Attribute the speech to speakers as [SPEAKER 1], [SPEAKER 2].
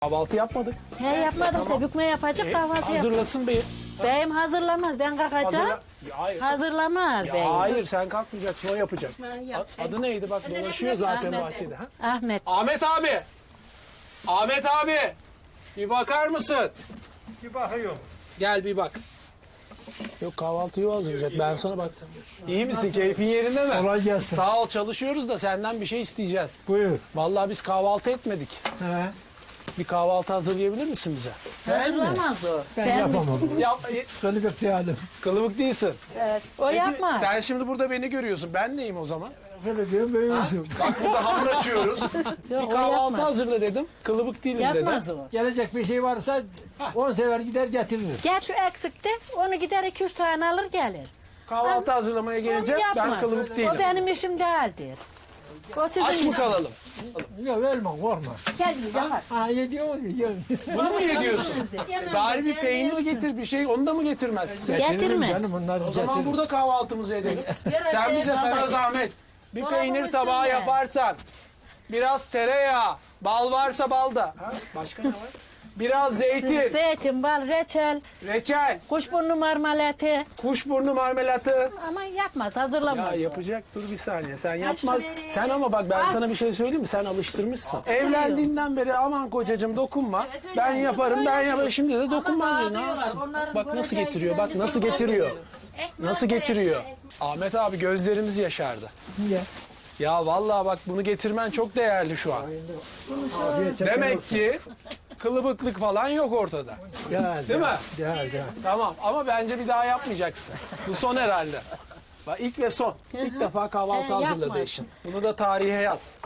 [SPEAKER 1] Kahvaltı yapmadık.
[SPEAKER 2] He yapmadım
[SPEAKER 1] Tamam.
[SPEAKER 2] da bükme yapacak kahvaltı yap.
[SPEAKER 1] Hazırlasın beyim.
[SPEAKER 2] Beyim hazırlamaz ben kalkacağım.
[SPEAKER 1] Ya, hayır.
[SPEAKER 2] Hazırlamaz
[SPEAKER 1] Ya,
[SPEAKER 2] beyim.
[SPEAKER 1] hayır sen kalkmayacaksın, o yapacak. Adı neydi bak, dolaşıyor zaten
[SPEAKER 2] Ahmet.
[SPEAKER 1] bahçede. Ha?
[SPEAKER 2] Ahmet.
[SPEAKER 1] Ahmet abi. Ahmet abi. Bir bakar mısın?
[SPEAKER 3] Bir bakıyorum.
[SPEAKER 1] Gel bir bak. Yok, kahvaltıyı o hazırlayacak. Ben sana baksam. İyi misin? Keyfin yerinde mi?
[SPEAKER 3] Kolay gelsin.
[SPEAKER 1] Sağ ol, çalışıyoruz da senden bir şey isteyeceğiz.
[SPEAKER 3] Buyur.
[SPEAKER 1] Vallahi biz kahvaltı etmedik.
[SPEAKER 3] He.
[SPEAKER 1] Bir kahvaltı hazırlayabilir misin bize?
[SPEAKER 2] Hazırlamaz o.
[SPEAKER 3] Ben yapamam.
[SPEAKER 1] Yap,
[SPEAKER 3] Kılıbık değilim.
[SPEAKER 1] kılıbık değilsin.
[SPEAKER 2] Evet, o
[SPEAKER 1] Peki,
[SPEAKER 2] yapmaz.
[SPEAKER 1] sen şimdi burada beni görüyorsun. Ben neyim o zaman?
[SPEAKER 3] Kılıbık büyüyorsun.
[SPEAKER 1] Bak burada hamur açıyoruz.
[SPEAKER 2] Yok,
[SPEAKER 1] Bir
[SPEAKER 2] o
[SPEAKER 1] kahvaltı
[SPEAKER 2] yapmaz.
[SPEAKER 1] hazırla dedim. Kılıbık değilim
[SPEAKER 2] Yapmaz
[SPEAKER 1] dedim.
[SPEAKER 2] o.
[SPEAKER 3] Gelecek bir şey varsa 10 sefer gider getirir.
[SPEAKER 2] Gel şu eksikte onu gider 2-3 tane alır gelir.
[SPEAKER 1] Kahvaltı hazırlamaya
[SPEAKER 2] Onu
[SPEAKER 1] geleceğiz. Ben
[SPEAKER 2] yapmaz.
[SPEAKER 1] kılıbık değilim.
[SPEAKER 2] O benim işim değildir. O sizin
[SPEAKER 1] Aç mı
[SPEAKER 2] işiniz.
[SPEAKER 1] kalalım?
[SPEAKER 3] Yok ölme korkma.
[SPEAKER 2] Gel yapar.
[SPEAKER 3] Ha yediyor mu? Yiyor.
[SPEAKER 1] Bunu mu yediyorsun? Bari bir peynir getir, bir şey. Onu da mı getirmezsin?
[SPEAKER 2] Getirmez.
[SPEAKER 3] Canım bunları
[SPEAKER 1] O zaman
[SPEAKER 3] getirir.
[SPEAKER 1] burada kahvaltımızı edelim.
[SPEAKER 2] Biraz
[SPEAKER 1] Sen
[SPEAKER 2] şey
[SPEAKER 1] bize, sana
[SPEAKER 2] babacığım.
[SPEAKER 1] zahmet. Bir
[SPEAKER 2] Dolabın
[SPEAKER 1] peynir tabağı
[SPEAKER 2] üstünde.
[SPEAKER 1] yaparsan, biraz tereyağı, bal varsa bal da. Ha? Başka ne var? Biraz zeytin,
[SPEAKER 2] Zeytin, bal, reçel,
[SPEAKER 1] reçel,
[SPEAKER 2] kuşburnu marmelatı.
[SPEAKER 1] kuşburnu marmelatı.
[SPEAKER 2] Ama yapmaz, hazırlamaz.
[SPEAKER 1] Ya
[SPEAKER 2] o.
[SPEAKER 1] yapacak, dur bir saniye. Sen yapmaz.
[SPEAKER 2] şu vereyim.
[SPEAKER 1] Sen ama bak, ben
[SPEAKER 2] Al.
[SPEAKER 1] sana bir şey söyleyeyim mi? Sen alıştırmışsın. Evlendiğinden beri aman kocacığım dokunma.
[SPEAKER 2] Evet, öyle.
[SPEAKER 1] Ben yaparım, ben yaparım. Şimdi de dokunma
[SPEAKER 2] daha
[SPEAKER 1] diyor. Ne
[SPEAKER 2] diyorlar,
[SPEAKER 1] yapsın?
[SPEAKER 2] onların
[SPEAKER 1] Bak nasıl
[SPEAKER 2] göreceği
[SPEAKER 1] getiriyor.
[SPEAKER 2] işlerin
[SPEAKER 1] Bak nasıl
[SPEAKER 2] dışından
[SPEAKER 1] getiriyor.
[SPEAKER 2] geliyor.
[SPEAKER 1] Nasıl getiriyor. Ahmet abi gözlerimiz yaşardı.
[SPEAKER 3] Niye?
[SPEAKER 1] Ya vallahi bak, bunu getirmen çok değerli şu an.
[SPEAKER 3] Afiyet şeker
[SPEAKER 1] Demek
[SPEAKER 3] olsun.
[SPEAKER 1] ki kılıbıklık falan yok ortada. Değil mi?
[SPEAKER 3] Değil.
[SPEAKER 1] Tamam ama bence bir daha yapmayacaksın. Bu son herhalde. Bak ilk ve son. İlk defa kahvaltı
[SPEAKER 2] Yapmaz.
[SPEAKER 1] hazırladı eşin. Bunu da tarihe yaz.